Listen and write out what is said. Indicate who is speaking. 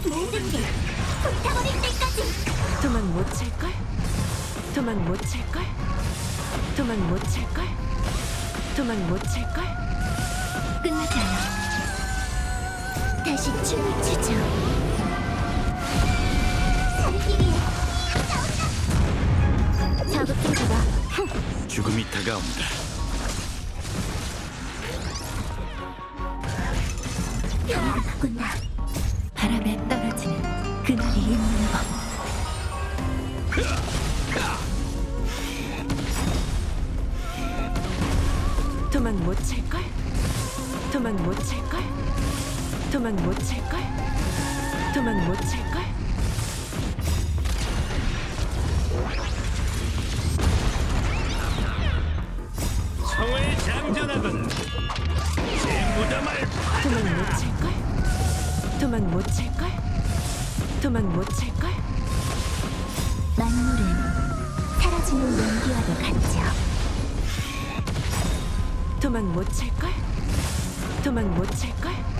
Speaker 1: 모든 게 불타버릴 때까지.
Speaker 2: 도망 못 찰걸? 도망 못 찰걸? 도망 못 찰걸? 도망 못 찰걸?
Speaker 1: 끝나지 않아. 다시 춤을 추죠. 살기 위해 싸운다. 자극 좀 줘봐.
Speaker 3: 죽음이 다가온다.
Speaker 1: 변화가 바꾼다. 바람에 떨어지는 그날이 있는 법.
Speaker 2: 도망 못 찰걸? 도망 못 찰걸? 도망 못 찰걸? 도망 못 찰걸?
Speaker 3: 성을 장전하건 제 무덤을
Speaker 2: 도망 못 찰걸? 도망 못 찰걸? 도망 못 찰걸?
Speaker 1: 만물은 사라지는 연기와도 같죠.
Speaker 2: 도망 못 찰걸? 도망 못 찰걸?